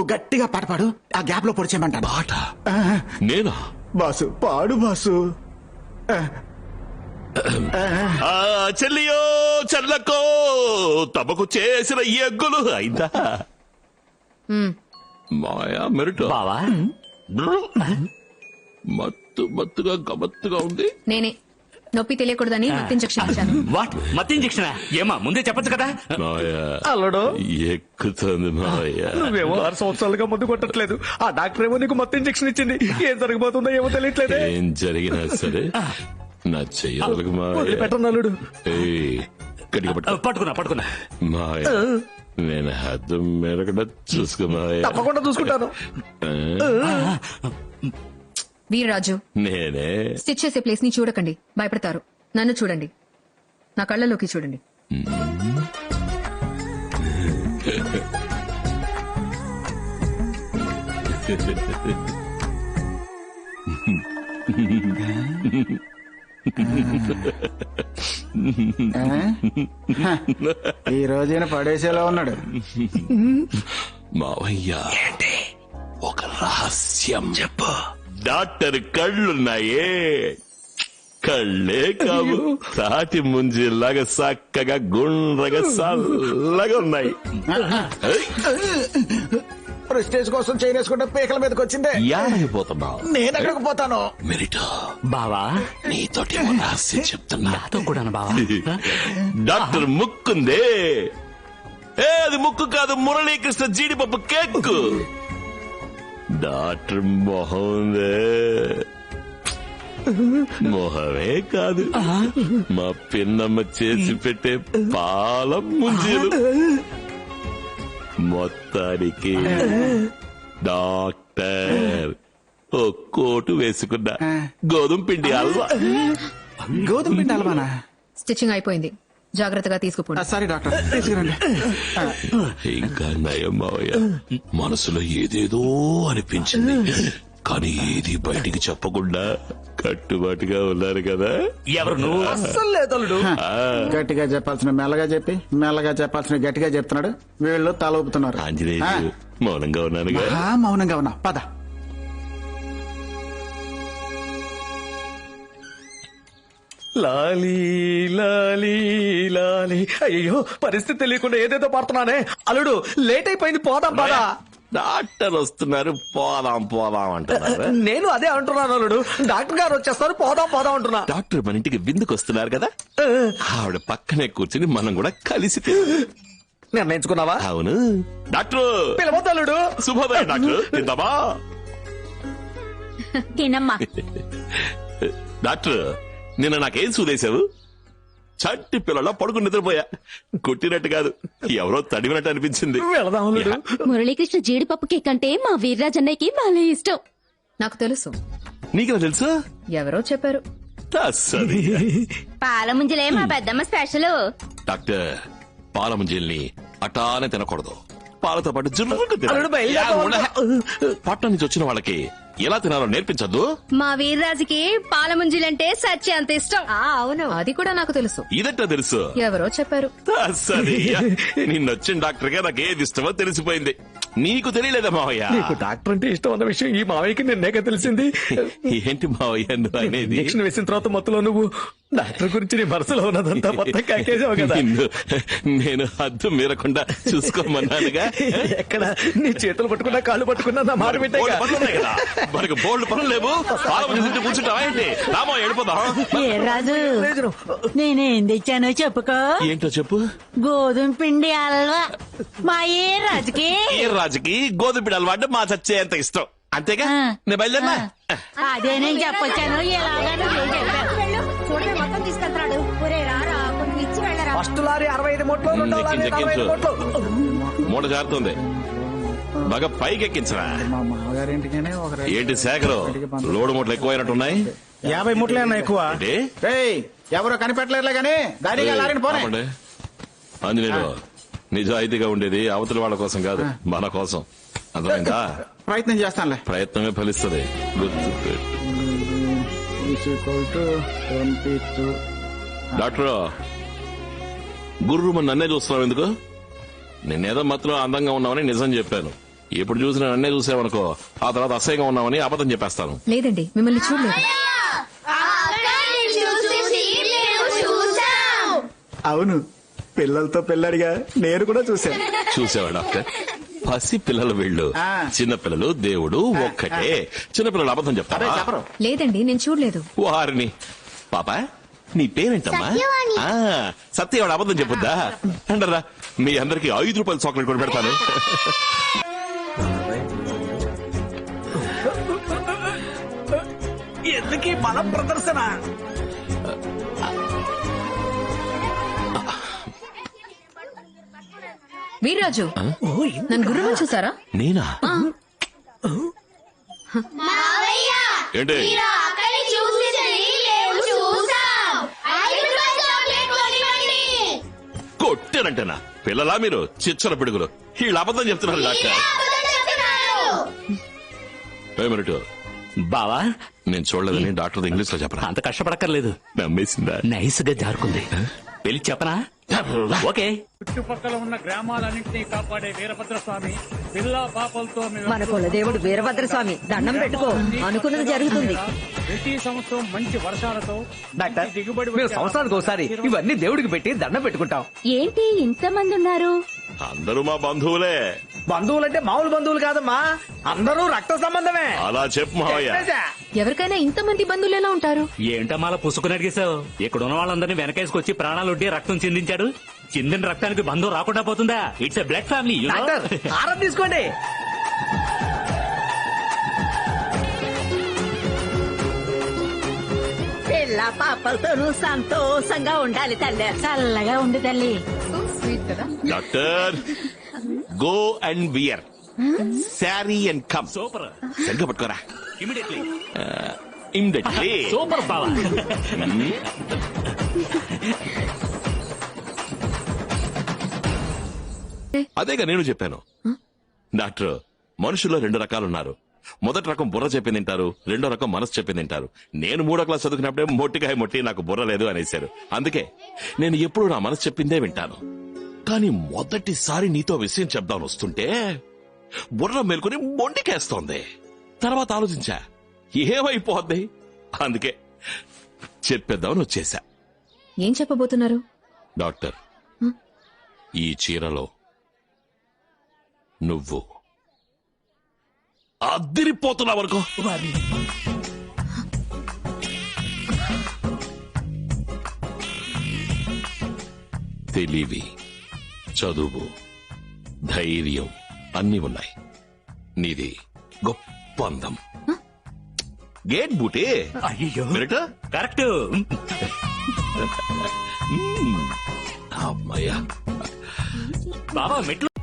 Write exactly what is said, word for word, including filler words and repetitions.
నువ్వు గట్టిగా పాట పాడు, ఆ గ్యాప్ లో పొడిచేయమంటాను. పాట నేనా? బాసు పాడు బాసు. ఆ చెల్లియో చెల్లకో తమకు చేసిన ఎగ్గులు అయిందా మాయా మెరుట బావా మత్తు మత్తుగా గమత్తుగా ఉంది. నేనే నొప్పి తెలియకూడదని మత్తు ఇంజెక్షన్ ఇచ్చాను. వాట్ మత్తు ఇంజెక్షన్? ఏమా ముందే చెప్పొచ్చు కదా. మాయా అల్లుడు ఎక్కుతుంది మాయా. నువ్వేమో ఆరు సంవత్సరాలుగా మందు కొట్టట్లేదు, ఆ డాక్టర్ ఏమో నీకు మొత్తం ఇంజెక్షన్ ఇచ్చింది. ఏం జరగబోతుందో ఏమో తెలియట్లేదు. ఏం జరిగినా సరే నా చెయ్యాలకు మాయా. పెట్టను అల్లుడు. ఏయ్, గట్టిగా పట్టు. పట్టుకున్నా పట్టుకున్నా మాయా నేను హద్దు మెరగడ చూసుకో మాయా. తప్పకుండా చూసుకుంటాను. వీరరాజు, నేనే స్టిచ్ చేసే ప్లేస్ ని చూడకండి, భయపడతారు. నన్ను చూడండి, నా కళ్ళలోకి చూడండి. ఈ రోజైన పడేసేలా ఉన్నాడు. మావయ్య ఒక రహస్యం చెప్పు. డాక్టర్ కళ్ళున్నాయే, కళ్ళే కావు, తాటి ముంజిలాగా చక్కగా గుండ్రగా చల్లగా ఉన్నాయి. ప్రెస్టేజ్ కోసం చేయనేసుకుంటే పీకల మీదకి వచ్చిందే. యాడైపోతున్నావు? నేను ఎక్కడికి పోతాను? మెరిటో బావా నీతోటి ఓ రహస్యం చెప్తున్నా. నాతో కూడా బావా. డాక్టర్ ముక్కుందే, ఏ అది ముక్కు కాదు, మురళీకృష్ణ జీడిపప్పు కేక్. డాక్టర్ మొహం ఉందే, మొహమే కాదు, మా పిన్నమ్మ చేసి పెట్టే పాల ముంజీలు. మొత్తానికి డాక్టర్ ఓ కోటు వేసుకున్నా గోధుమ పిండి హల్వా. గోధుమ పిండి అలవానా? స్టిచ్చింగ్ అయిపోయింది, జాగ్రత్తగా తీసుకుపోండి. సారీ డాక్టర్, తీసుకురండి. ఇంకా నయం మావయ్య, మనసులో ఏదేదో అనిపించింది, కానీ ఏది బయటికి చెప్పకుండా కట్టుబాటుగా ఉన్నారు కదా. ఎవరు నువ్వు? అస్సలు లేదు అల్లుడు. గట్టిగా చెప్పాల్సిన మెల్లగా చెప్పి, మెల్లగా చెప్పాల్సిన గట్టిగా చెప్తున్నాడు. వీళ్ళు తల ఊపుతున్నారు. ఆంజనేయులు మౌనంగా ఉన్నానుగా. మహా మౌనంగా ఉన్నా, పద. లాలీ లాలీ లాలీ. అయ్యో, పరిస్థితి తెలియకుండా ఏదేదో పడుతున్నానే. అల్లుడు లేట్ అయిపోయింది, పోదాం పదా. డాక్టర్ వస్తున్నారు, పోదాం పోదాం అంటున్నారు. నేను అదే అంటున్నాను అల్లుడు, డాక్టర్ గారు వచ్చేస్తారు, పోదాం పోదాం అంటున్నా. డాక్టర్ మన ఇంటికి విందుకు వస్తున్నారు కదా, ఆవిడ పక్కనే కూర్చుని మనం కూడా కలిసి తిందాం. నిర్ణయించుకున్నావా? అవును డాక్టర్. పిలవద్దు అల్లుడు. శుభోదయం డాక్టర్, తిందామా? తినమ్మా. డాక్టర్ నిన్న నాకేం సూదేశావు? చట్టి పిల్లల పడుకుని నిద్రపోయా, కొట్టినట్టు కాదు, ఎవరో తడివినట్టు అనిపించింది. వెళదాం అల్లుడు. మురళీకృష్ణ జీడిపప్పు కేక్ అంటే మా వీర్రాజన్నయ్యకి భలే ఇష్టం. నాకు తెలుసు, నీకెలా తెలుసు? ఎవరో చెప్పారు. అస్సలు. పాల ముంజలే మా పెద్దమ్మ స్పెషల్. డాక్టర్ పాల ముంజల్ని అటానే తినకూడదు, పాలతో పాటు జుర్రుకు తినాలి. అల్లుడు బయలుదేరదాం. పట్నం నుంచి వచ్చిన వాళ్ళకి ఎలా తినాలో నేర్పించద్దు. మా వీర్రాజుకి పాల ముంజలంటే సత్య అంత ఇష్టం. అవును, అది కూడా నాకు తెలుసు. ఇదట్టా తెలుసు? ఎవరో చెప్పారు. సరే, నిన్నొచ్చిన డాక్టర్ గా నాకు ఏది ఇష్టమో తెలిసిపోయింది, నీకు తెలియలేదా మావయ్య? నీకు డాక్టర్ అంటే ఇష్టం అన్న విషయం ఈ మావయ్యకి నిన్నేక తెలిసింది. ఏంటి మావయ్య నువ్వు అనేది? ఇంజక్షన్ వేసిన తర్వాత మొత్తంలో నువ్వు డాక్టర్ గురించి నీ మనసులో ఉన్నదంతా మొత్తం కాకేసావు కదా. నిన్ను నేను హద్దు మీరకుండా చూసుకోమన్నానుగా. ఎక్కడ నీ చేతులు పట్టుకున్నా కాళ్ళు పట్టుకున్నా నా మాట బోల్డ్ పనులు ఉన్నాయి కదా, మనకు బోల్డ్ పనులు లేవు. పాల ముంజ తింటూ కూర్చుంటావా ఏంటి? రామో వెళ్ళిపోదాం. ఏ రాజు, నేనేం తెచ్చానో చెప్పుకో. ఏంటో చెప్పు. గోధుమ పిండి హల్వా. మా ఏ రాజుకి ఈ రాజుకి గోధుమ పిండి అలవాటు మా చచ్చే అంత ఇష్టం, అంతేగా? ఆ. నేను బయలుదేరినా? అదే నేను చెప్పొచ్చాను. ఎలాగా నువ్వే చెప్పావు. మొత్తం తీసుకెళ్తాడు. ఒరే రారా, కొంచెం ఇచ్చి వెళ్ళరా. ఫస్ట్ లారీ అరవై ఐదు మూట్లు, రెండో లారీ నలభై ఐదు మూట్లు. మూట జారుతుంది, బాగా పైకి ఎక్కించరా. మా మామగారి ఇంటికనే ఒక రైలు. ఏంటి శేఖరు, లోడు మూటలు ఎక్కువైనట్టున్నాయి. యాభై ముట్లే అన్న ఎక్కువ. ఏంటి? ఏయ్, ఎవరో కనిపెట్టలేరులే గానీ గాడిగా లారిని పోనే. ఆపండి. ఆంజనేయులు, నిజాయితీగా ఉండేది అవతల వాళ్ళ కోసం కాదు, మన కోసం. అర్థమైందా? ప్రయత్నం చేస్తానులే. ప్రయత్నమే ఫలిస్తుంది, గుర్తు డాక్టర్. గుర్రు మన నన్నే చూస్తున్నావు ఎందుకు? నేనేదో మాత్రం అందంగా ఉన్నామని నిజం చెప్పాను, ఎప్పుడు చూసినా నన్నే చూసావనుకో ఆ తర్వాత అసహ్యంగా ఉన్నామని అబద్ధం చెప్పేస్తాను. లేదండి మిమ్మల్ని చూడలేదు. అవును, పిల్లలతో పిల్లడిగా నేను కూడా చూశాను. చూసావా డాక్టర్? పసి పిల్లలు వీళ్ళు. ఆ. చిన్నపిల్లలు దేవుడు ఒక్కటే. చిన్నపిల్లలు అబద్ధం అదే చెప్తారా? చెప్పరు. లేదండి నేను చూడలేదు. వారిని పాప నీ పేరేంటమ్మా? ఆ, సత్యవాడు అబద్ధం చెప్పుద్దా అంటారా? మీ అందరికి ఐదు రూపాయల చాక్లెట్ కూడా పెడతాను. ఎందుకీ బల ప్రదర్శన? వీర్రాజు నన్ను గుర్రం చూసారా? నేనా? ఏంటి కొట్టానంటేనా? పిల్లలా మీరు చిచ్చర పిడుగులు. వీళ్ళు అబద్ధం చెప్తున్నారు డాక్టర్. ఏ మినిట్, బావా నేను చూడలేదని డాక్టర్ ఇంగ్లీష్ లో చెప్పరా? అంత కష్టపడక్కర్లేదు. నమ్మేసిందా? నైస్ గా జారుకుంది. వెళ్ళి చెప్పనా? ఓకే. చుట్టుపక్కల ఉన్న గ్రామాలన్నింటినీ కాపాడే వీరభద్ర స్వామి పిల్ల పాపలతో మేము మన కులదేవుడు వీరభద్ర స్వామి దండం పెట్టుకో, అనుకున్నది జరుగుతుంది. ప్రతి సంవత్సరం మంచి వర్షాలతో డాక్టర్ మంచి దిగుబడి మేము వచ్చే సంవత్సరానికి ఒకసారి ఇవన్నీ దేవుడికి పెట్టి దండం పెట్టుకుంటాం. ఏంటి ఇంతమంది ఉన్నారు? అందరూ మా బంధువులే. బంధువులంటే మామూలు బంధువులు కాదమ్మా, అందరూ రక్త సంబంధమే. అలా చెప్పు మావయ్య. చెప్పేశా. ఎవరికైనా ఇంతమంది బంధువులు ఎలా ఉంటారు? ఏంటమ్మా అలా పుసుకుని అడిగేశావు? ఇక్కడ ఉన్న వాళ్ళందరినీ వెనకేసుకొచ్చి ప్రాణాలుండి రక్తం చిందించాడు. చిందిన రక్తానికి బంధువు రాకుండా పోతుందా? It's a blood family. Doctor ఆరం తీసుకోండి. పిల్ల పాపలతోనూ సంతోషంగా ఉండాలి తల్లి. చల్లగా ఉండి తల్లి. Doctor go and wear sari and come. Super సరిగ్గా పట్టుకోరా. ఇమిడియట్లీ. ఇమ్మీడియట్లీ. సూపర్ బావా. అదేగా నేను చెప్పాను డాక్టర్. మనుషుల్లో రెండు రకాలు ఉన్నారు. మొదటి రకం బుర్ర చెప్పింది తింటారు, రెండో రకం మనసు చెప్పింది తింటారు. నేను మూడో క్లాస్ చదువుకున్నప్పుడే మొట్టికాయ మొట్టి నాకు బుర్ర లేదు అనేశారు. అందుకే నేను ఎప్పుడు నా మనసు చెప్పిందే వింటాను. కానీ మొదటిసారి నీతో విషయం చెప్దామని వస్తుంటే బుర్ర మేల్కొని మొండికేస్తోంది. తర్వాత ఆలోచించా ఏమైపోద్ది, అందుకే చెప్పేద్దామని వచ్చేసా. ఏం చెప్పబోతున్నారు? డాక్టర్, ఈ చీరలో నువ్వు అద్దిరిపోతున్నావు అనుకో. తెలివి, చదువు, ధైర్యం అన్నీ ఉన్నాయి. నీది గొప్ప అందం. గేట్ బూటే. అయ్యో మినిట్. కరెక్ట్. అమ్మయ్యా. బాబా మెట్లు